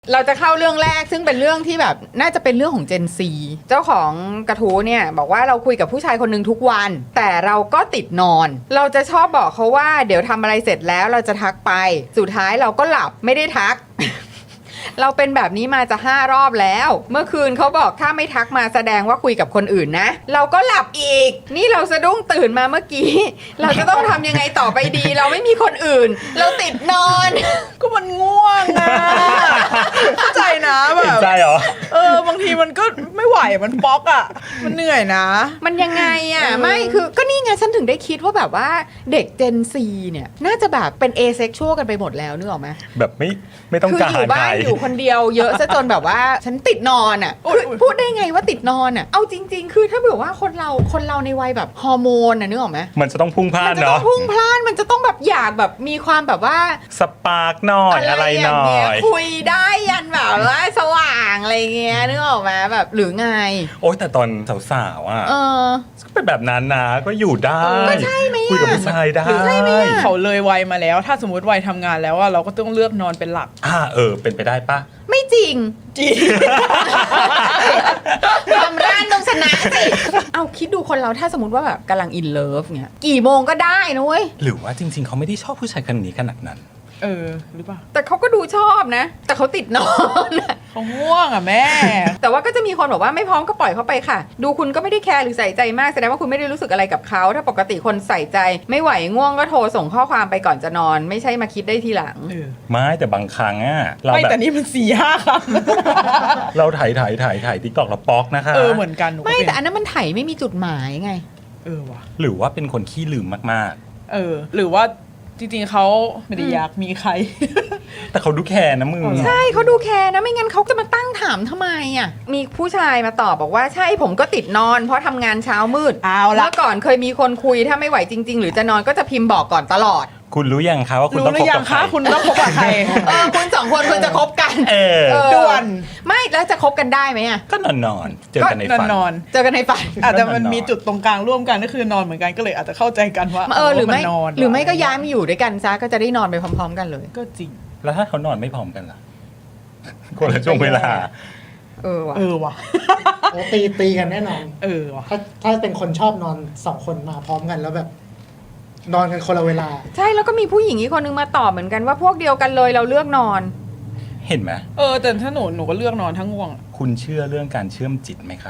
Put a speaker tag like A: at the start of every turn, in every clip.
A: เราจะเข้าเรื่องแรกซึ่งเป็นเรื่องที่แบบน่าจะเป็นเรื่องของ Gen Z เจ้าของกระทู้เนี่ยบอกว่าเราคุยกับผู้ชายคนหนึ่งทุกวัน แต่เราก็ติดนอน เราจะชอบบอกเขาว่าเดี๋ยวทำอะไรเสร็จแล้วเราจะทักไปสุดท้ายเราก็หลับไม่ได้ทัก เราเป็นแบบนี้มาจะ5 รอบแล้ว เมื่อคืนเขาบอกถ้าไม่ทักมาแสดงว่าคุยกับคนอื่นนะเราก็หลับอีกนี่เราสะดุ้งตื่นมาเมื่อกี้ เราจะต้องทำยังไงต่อไปดี เราไม่มีคนอื่น เราติดนอน
B: ก็มันง่วงอะเข้าใจนะแบบ
C: ใจเหรอ
B: บางทีมันก็ไม่ไหวมันป๊อกอะมันเหนื่อยนะ
A: มันยังไงอ่ะไม่คือก็นี่ไงฉันถึงได้คิดว่าแบบว่าเด็ก Gen Z เนี่ยน่าจะแบบเป็น asexual กันไปหมดแล้วนึกออกไหม
C: แบบไม่ต้อง
A: คือ
C: การ
A: อยู่บ้าน
C: ใคร
A: อยู่คนเดียวเยอะซะจนแบบว่าฉันติดนอนอ่ะคือพูดได้ไงว่าติดนอนอ่ะเอาจริง ๆ คือถ้าเผื่อว่าคนเราในวัยแบบฮอร์โมนอ่ะนึกออกไหม
C: มันจะต้องพุ่งพลา
A: มั
C: ด
A: จะต้อ
C: เนาะ
A: งพุ่งพล่านมันจะต้องแบบอยากแบบมีความแบบว่า
C: สปาร์กหน่อยอะไรหน่อย
A: คุยได้ยันแบบว่าสว่างอะไรเงี้ยนึกออกไหมแบบหรือไง
C: โอ๊ยแต่ตอนสาวๆอ่ะ
A: เออ
C: ก็เป็นแบบนั้นนะก็อยู่ได้
A: ก็ใช่ไหมอะ
C: คุยกับผู้ชายได้
A: หรือใช่ไหมอะ
B: เขาเลยวัยมาแล้ว ถ้าสมมติวัยทำงานแล้วอะเราก็ต้องเลือกนอนเป็นหลัก
C: เป็นไปได้ปะ
A: ไม่จริง
B: จริง
A: ความร่านต้องชนะสิ เอาคิดดูคนเราถ้าสมมติว่าแบบกำลังอินเลิฟเงี้ยกี่โมงก็ได้นะเว้ย
C: หรือว่าจริง ๆเขาไม่ได้ชอบผู้ชายคนนี้ขนาดนั้น
B: หรือเปล่า
A: แต่เขาก็ดูชอบนะ แต่เขาติดนอนอะ
B: เขาง่วงอะแม่
A: แต่ว่าก็จะมีคนบอกว่าไม่พร้อมก็ปล่อยเขาไปค่ะ ดูคุณก็ไม่ได้แคร์หรือใส่ใจมากแสดงว่าคุณไม่ได้รู้สึกอะไรกับเขาถ้าปกติคนใส่ใจ ไม่ไหวง่วงก็โทรส่งข้อความไปก่อนจะนอน ไม่ใช่มาคิดได้ทีหลัง
C: ไม่แต่บางครั้งอ่ะเรา
B: ไม่
C: แบบ
B: แต่นี่มัน4-5 ครั้ง
C: เราถ่ายติ๊กตอกเราป๊อกนะคะ
B: เหมือนกันหนูก็
A: ไม่
B: เป็น
A: แต่อันนั้นมันไถไม่มีจุดหมายไง
B: ว่ะ
C: หรือว่าเป็นคนขี้ลืมมาก
B: หรือว่าจริงๆเขาไม่ได้อยากมีใคร
C: ๆ แต่เขาดูแคร์นะมึง
A: ใช่เขาดูแคร์นะไม่งั้นเขาจะมาตั้งถามทำไมอ่ะมีผู้ชายมาตอบบอกว่าใช่ผมก็ติดนอน เพราะทำงานเช้ามืด
B: เอาละ
A: เมื่อก่อนเคยมีคนคุยถ้าไม่ไหวจริง ๆ หรือจะนอนก็จะพิมพ์บอกก่อนตลอด
C: คุณรู้ยังคะว่าคุณ
B: รู้
C: ต้อง
B: ห
C: ค
B: รื
C: บ
B: อยั
C: กั
B: ง
C: บใคร
B: คะคุณต้องคบกับใคร
A: คุณสองคนควรจะคบกัน
C: เออ
B: ด่วน
A: ไม่แล้วจะคบกันได้ไหมอ่ะ
C: ก็นอนเจอกันในฝัน
B: นอน
A: เจอกันในฝัน
B: อาจจะมันมีจุดตรงกลางร่วมกันก็คือนอนเหมือนกันก็เลยอาจจะเข้าใจกันว่า
A: หรือไม่
B: นนน
A: หรือไม่ก็ย้ายมาอยู่ด้วยกันซะก็จะได้นอนไปพร้อม ๆ กันเลย
B: ก็จริง
C: แล้วถ้าเขานอนไม่พร้อมกันล่ะคนละช่วงเวลา
A: ว่ะ
B: ว่ะ
D: โอ้ตีกันแน่นอน
B: ว่ะ
D: ถ้าเป็นคนชอบนอน2 คนมาพร้อมกันแล้วแบบ นอนกันคนละเวลา
A: ใช่แล้วก็มีผู้หญิงอีกคนนึงมาตอบเหมือนกันว่าพวกเดียวกันเลยเราเลือกนอน
C: เห็นไหม
B: แต่ถ้าหนูก็เลือกนอนทั้งง่วงอะ
C: คุณเชื่อเรื่องการเชื่อมจิตไหมคะ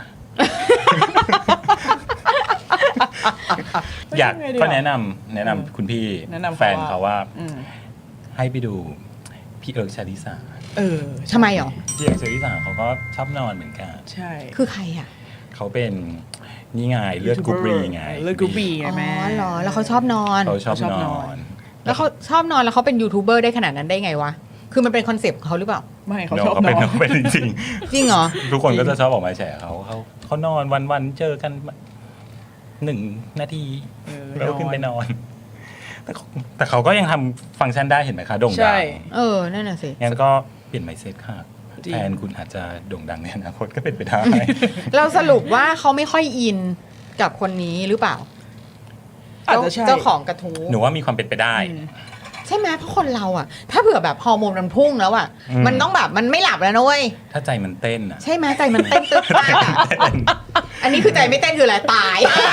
C: อยากก็แนะนำคุณพี่
B: แนะนำ
C: แฟนเขาว่า
B: อืม
C: ให้ไปดูพี่เอิร์กชาลิสา
A: ทำไมหรอ
C: พี่เอิร์กชาลิสาเขาก็ชอบนอนเหมือนกัน
B: ใช่
A: คือใครอ่ะ
C: เขาเป็นนี่ไงเลือดกรุ๊ปบีไง
B: เลือดกรุ๊ปบีไง
A: อ๋อ
B: แม่
A: เหรอแล้วเขาชอบนอน
C: เขาชอบ
B: ชอบ
C: น
B: น
C: อ
B: อน
C: น
A: แล้วเขาชอบนอนแล้วเขาเป็นยูทูบเบอร์ได้ขนาดนั้นได้ไงวะคือมันเป็นคอนเซปต์ของเขาหรือเปล่า
B: ไม่เขา
C: เน
B: ช
C: อะ
B: อบ
C: เขา
B: น
C: เป็น
B: อน
C: เป็นจริง
A: จริงเหรอ
C: ๆทุกคนก็จะชอบออกมาแฉเขานอนวันๆเจอกัน1 นาทีแล้วขึ้นไปนอน แต่เขาก็ยังทำฟังก์ชันได้เห็นไหมคะโด่งดั
B: ใช่
C: ง
A: นั่นน่ะสิ
C: งั้นก็เปลี่ยนไมเซ็ตค่ะ
B: จริง
C: แทนคุณอาจจะโด่งดังในอนาคตก็เป็นไปได้
A: เราสรุปว่าเขาไม่ค่อยอินกับคนนี้หรือเปล่า
B: อาจจะใช่
A: เจ้าของกระทู้
C: หนูว่ามีความเป็นไปได้
A: ใช่ไหมเพราะคนเราอ่ะ ถ้าเผื่อแบบฮอร์โมนมันพุ่งแล้วอ่ะ
C: อืม
A: มันต้องแบบมันไม่หลับแล้วนะเว้ย
C: ถ้าใจมันเต้นอ่ะ
A: ใช่ไหมใจมันเต้นตึ๊บมากอะอันนี้คือใจไม่เต้นคืออะไรตาย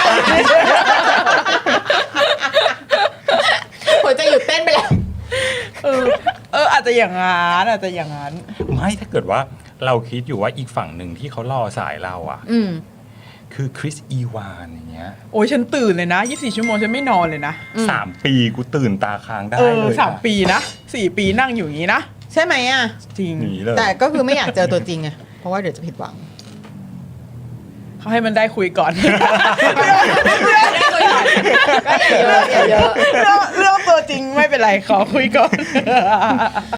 A: หัวใจหยุดเต้นไปแล้ว
B: อาจจะอย่างนั้นอาจจะอย่างนั้น
C: ไม่ถ้าเกิดว่าเราคิดอยู่ว่าอีกฝั่งหนึ่งที่เขารอสายเราอ่ะ
A: อืม
C: คือคริสอีวานอย่างเงี้ย
B: โอ้ยฉันตื่นเลยนะ24 ชั่วโมงฉันไม่นอนเลยนะ
C: 3 ปีกูตื่นตาค้างได้เลย
B: 3 ปีนะ4 ปีนั่งอยู่อย่างนี้นะ
A: ใช่ไหมอ่ะ
B: จริง
C: หนีเลย
A: แต่ก็คือไม่อยากเจอตัวจริงไงเพราะว่าเดี๋ยวจะผิดหวัง
B: เขาให้มันได้คุยก่อน
A: ก็อย่าเยอะอย่าเยอะ
B: เรื่องตัวจริงไม่เป็นไรขอคุยก่อน